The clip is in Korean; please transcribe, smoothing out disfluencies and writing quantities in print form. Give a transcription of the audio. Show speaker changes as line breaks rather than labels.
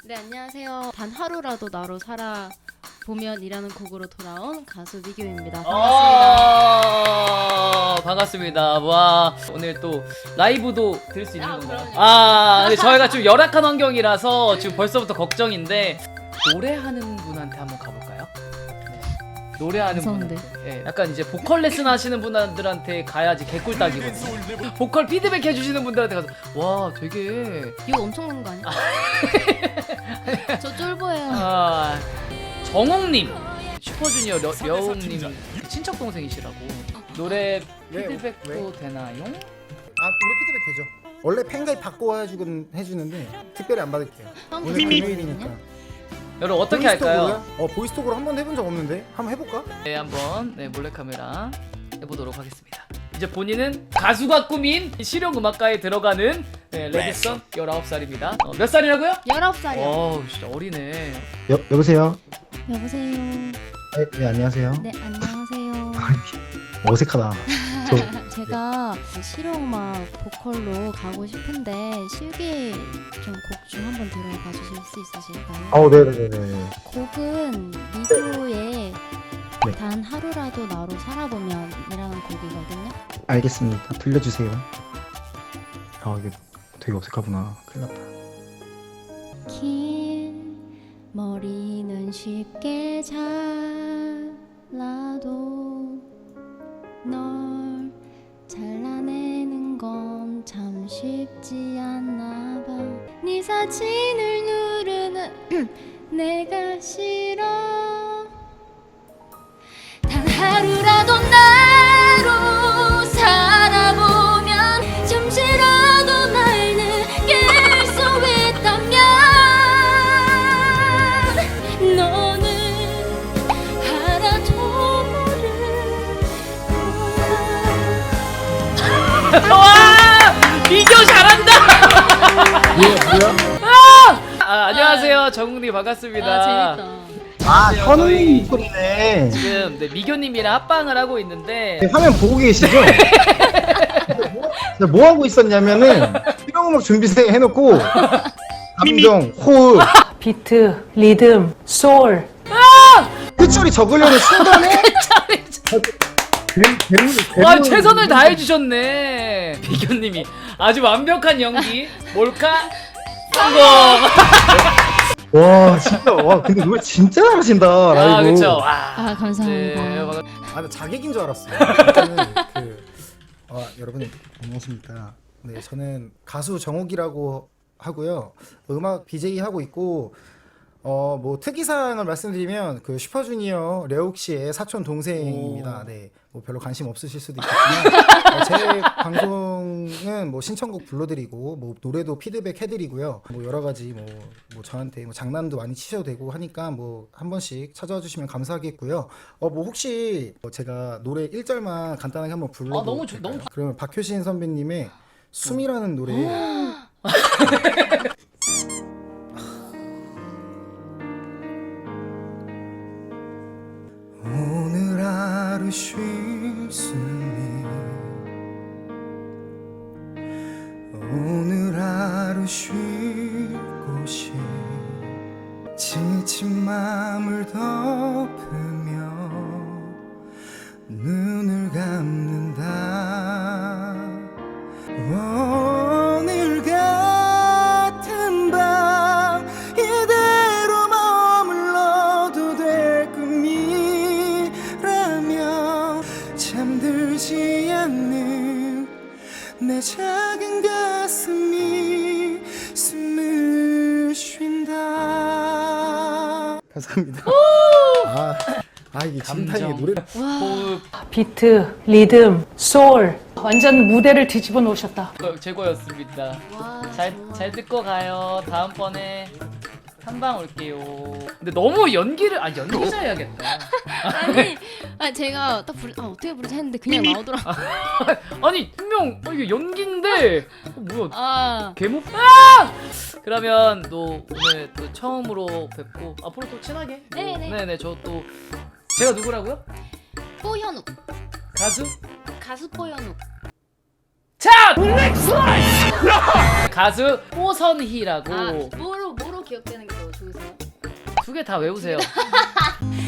네, 안녕하세요. 단 하루라도 나로 살아보면이라는 곡으로 돌아온 가수 미교입니다. 반갑습니다.
반갑습니다. 와, 오늘 또 라이브도 들을 수 있는 건가요?
그럼요.
근데 저희가 좀 열악한 환경이라서 지금 벌써부터 걱정인데 노래하는 분한테 한번 가볼까요? 네. 노래하는
무서운데.
분한테. 네, 약간 이제 보컬 레슨 하시는 분들한테 가야지 개꿀 딱이거든요. 보컬 피드백 해주시는 분들한테 가서 와, 되게
이거 엄청난 거 아니야? 저 쫄보예요.
정옥님, 슈퍼주니어 려웅님 친척 동생이시라고. 노래 피드백도 되나요?
우리 피드백 되죠. 원래 팬가입 받고 해주는데 특별히 안 받을게요. 오늘 금요일이니까.
여러분 어떻게 할까요?
보이스톡으로 한 번 해본 적 없는데 한번 해볼까?
네, 한번 몰래카메라 해보도록 하겠습니다. 이제 본인은 가수가 꿈인 실용음악과에 들어가는 레드썬 19살입니다. 몇 살이라고요?
19살이요.
진짜 어리네.
여보세요?
여보세요.
네, 안녕하세요.
네, 안녕하세요.
어색하다.
제가 실용음악 보컬로 가고 싶은데 실기 좀 곡 좀 한번 들어봐 주실 수 있으실까요?
네네네네.
곡은 미도의
네.
단 하루라도 나로 살아보면이라는 곡이거든요.
알겠습니다. 들려주세요. 이게 되게 어색하구나. 큰일 났다.
긴 머리는 쉽게 잘라도 널 잘라내는 건 참 쉽지 않나 봐. 네 사진을 누르는 내가 싫어. 단 하루라도 나로 살아보면 잠시라도 날 느낄 수 있다면 너는 하나도 모를 거야.
와, 미교 잘한다.
뭐야?
안녕하세요, 정욱님 반갑습니다.
재밌다.
현우님 목소리네.
지금 미교님이랑 합방을 하고 있는데
화면 보고 계시죠? 제가 뭐 하고 있었냐면은 실용음악 준비생 해놓고 감정, 호흡,
비트, 리듬, 소울.
끝소리 적으려는 순간에
와, 최선을 다해주셨네. 미교님이 아주 완벽한 연기 몰카 성공.
와 진짜 근데 노래 진짜 잘하신다. 라이브.
그쵸.
감사합니다.
네,
나 자객인 줄 알았어요. 여러분 안녕하십니까? 네, 저는 가수 정욱이라고 하고요. 음악 BJ 하고 있고 뭐 특이사항을 말씀드리면 그 슈퍼주니어 레옥 씨의 사촌 동생입니다. 네, 뭐 별로 관심 없으실 수도 있겠지만 제 방송은 뭐 신청곡 불러드리고 뭐 노래도 피드백 해드리고요. 뭐 여러 가지 뭐 저한테 뭐 장난도 많이 치셔도 되고 하니까 뭐 한 번씩 찾아와 주시면 감사하겠고요. 뭐 혹시 제가 노래 1절만 간단하게 한번 불러도
너무
될까요? 그러면 박효신 선배님의 숨이라는 노래. 오늘 하루 쉴 숨이 오늘 하루 쉴 곳이 지친 마음을 덮으며 눈을 감는다. 오늘 같은 밤 이대로 머물러도 될 꿈이라며 잠들지 않는 내 작은 가슴이 숨을 쉰다. 감사합니다. 이게 진탕의 노래.
호흡
비트, 리듬, 소울. 완전 무대를 뒤집어 놓으셨다.
최고였습니다. 잘 듣고 가요. 다음번에 한방 올게요. 근데 너무 연기를 연기자 해야겠다.
제가 딱 어떻게 부르지 했는데 그냥 나오더라고.
아니 분명 이게 연기인데 뭐야? 개목? 그러면 또 오늘 또 처음으로 뵙고 앞으로 또 친하게. 네네. 저 또 제가 누구라고요?
뽀현욱.
가수
뽀현욱.
자! 가수 오선희라고.
뭐로 기억되는 게
두 개 다 외우세요.